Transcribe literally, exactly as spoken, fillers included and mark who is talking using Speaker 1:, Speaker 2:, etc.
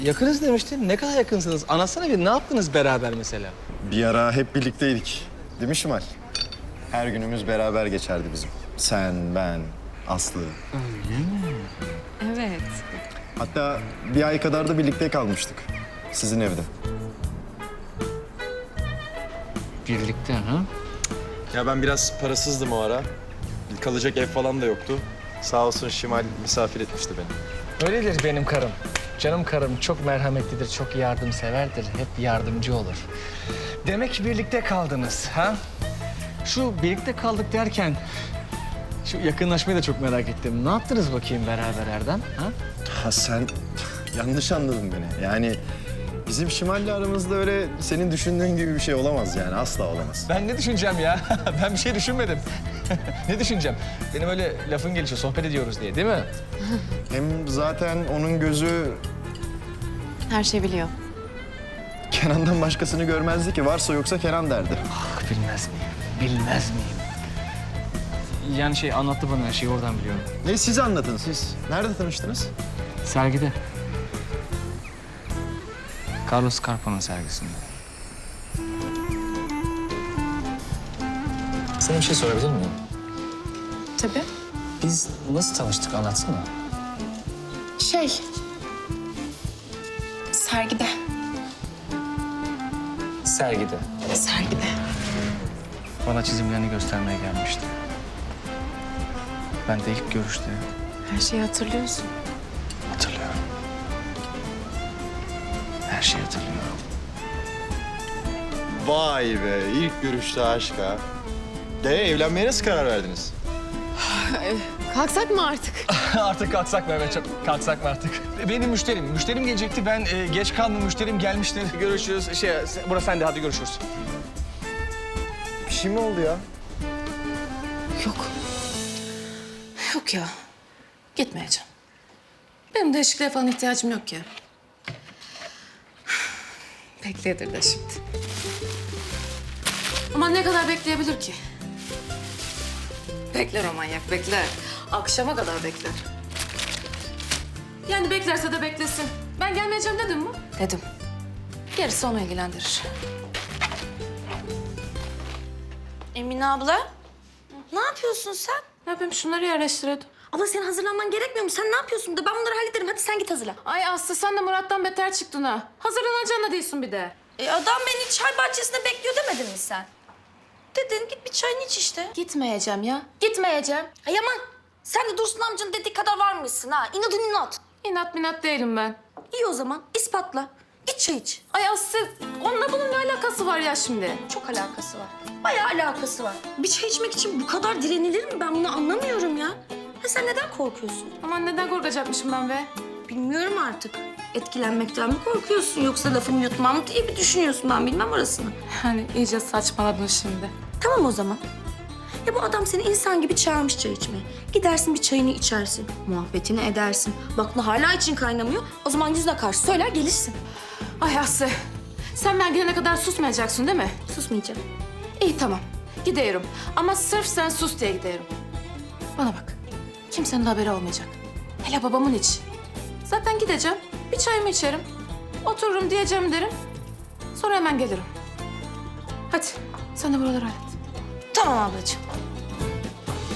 Speaker 1: Yakınız demiştin. Ne kadar yakınsınız? Anlatsana bir, ne yaptınız beraber mesela?
Speaker 2: Bir ara hep birlikteydik. Değil mi Şimal? Her günümüz beraber geçerdi bizim. Sen, ben, Aslı.
Speaker 3: Evet.
Speaker 2: Hatta bir ay kadar da birlikte kalmıştık. Sizin evde.
Speaker 1: Birlikte ha?
Speaker 4: Ya ben biraz parasızdım o ara. Kalacak ev falan da yoktu. Sağ olsun Şimal misafir etmişti beni.
Speaker 1: Öyledir benim karım. Canım karım çok merhametlidir, çok yardımseverdir. Hep yardımcı olur. Demek ki birlikte kaldınız ha? Şu birlikte kaldık derken şu yakınlaşmayı da çok merak ettim. Ne yaptınız bakayım beraber Erdem? Ha?
Speaker 2: Ha sen yanlış anladın beni. Yani bizim Şimal'le aramızda öyle senin düşündüğün gibi bir şey olamaz yani. Asla olamaz.
Speaker 1: Ben ne düşüneceğim ya? Ben bir şey düşünmedim. Ne düşüneceğim? Benim öyle lafın gelişi, sohbet ediyoruz diye değil mi?
Speaker 2: Hem zaten onun gözü
Speaker 3: Her şey biliyor.
Speaker 2: Kenan'dan başkasını görmezdi ki. Varsa yoksa Kenan derdi.
Speaker 1: Ah, bilmez miyim? Bilmez miyim? Yani şey anlattı bana her şeyi, oradan biliyorum.
Speaker 2: Ne siz anlatın siz. Nerede tanıştınız?
Speaker 1: Sergide. Carlos Carpa'nın sergisinde. Sana bir şey sorabilir miyim?
Speaker 3: Tabii.
Speaker 1: Biz nasıl tanıştık, anlatsana.
Speaker 3: Şey... Sergide.
Speaker 1: Sergide.
Speaker 3: Sergide.
Speaker 1: Bana çizimlerini göstermeye gelmişti. Ben de ilk görüşte
Speaker 3: Her şeyi hatırlıyorsun.
Speaker 1: hatırlıyorum. Her şeyi hatırlıyorum.
Speaker 4: Vay be, ilk görüşte aşk ha. De evlenmeye nasıl karar verdiniz?
Speaker 3: Kalksak mı artık?
Speaker 1: Artık kalksak mı Mehmetciğim? Kalksak mı artık? Benim müşterim. Müşterim gelecekti. Ben e, geç kaldım. Müşterim gelmiştir. Görüşürüz. Şey, burası sende. Hadi görüşürüz.
Speaker 2: Bir şey mi oldu ya?
Speaker 5: Yok. Yok ya. Gitmeyeceğim. Benim değişikliğe falan ihtiyacım yok ya. Bekleyedir de şimdi. Ama ne kadar bekleyebilir ki? Bekler o manyak, bekler. Akşama kadar bekler. Yani beklerse de beklesin. Ben gelmeyeceğim dedim mi? Dedim. Gerisi onu ilgilendirir.
Speaker 6: Emine abla, ne yapıyorsun sen?
Speaker 5: Ne yapayım, şunları yerleştiriyordum.
Speaker 6: Abla senin hazırlanman gerekmiyor mu? Sen ne yapıyorsun da ben bunları hallederim. Hadi sen git hazırla.
Speaker 5: Ay Aslı, sen de Murat'tan beter çıktın ha. Hazırlanacağına da değilsin bir de.
Speaker 6: E adam beni çay bahçesinde bekliyor demedin mi sen? Dedin git bir çayını iç işte.
Speaker 5: Gitmeyeceğim ya. Gitmeyeceğim.
Speaker 6: Ay aman sen de Dursun amcanın dediği kadar var mısın ha? İnadın inat.
Speaker 5: İnat minat değilim ben.
Speaker 6: İyi o zaman ispatla. Git çay iç.
Speaker 5: Ay Aslı, onunla bunun ne alakası var ya şimdi?
Speaker 6: Çok alakası var. Bayağı alakası var. Bir çay içmek için bu kadar direnilir mi? Ben bunu anlamıyorum ya. Ha sen neden korkuyorsun?
Speaker 5: Aman neden korkacakmışım ben be?
Speaker 6: Bilmiyorum artık. Etkilenmekten mi korkuyorsun yoksa lafımı yutmam mı diye mi düşünüyorsun, ben bilmem orasını.
Speaker 5: Hani iyice saçmaladın şimdi.
Speaker 6: Tamam o zaman. Ya bu adam seni insan gibi çağırmış çay içmeye. Gidersin bir çayını içersin, muhabbetini edersin. Baktın hala için kaynamıyor, o zaman yüzüne karşı söyler gelirsin.
Speaker 5: Ay Aslı, sen ben gelene kadar susmayacaksın değil mi?
Speaker 6: Susmayacağım.
Speaker 5: İyi tamam, gidiyorum. Ama sırf sen sus diye gidiyorum. Bana bak, kimsenin haberi olmayacak. Hele babamın hiç. Zaten gideceğim, bir çayımı içerim. Otururum diyeceğim derim. Sonra hemen gelirim. Hadi, sen de buraları hallet.
Speaker 6: Tamam ablacığım.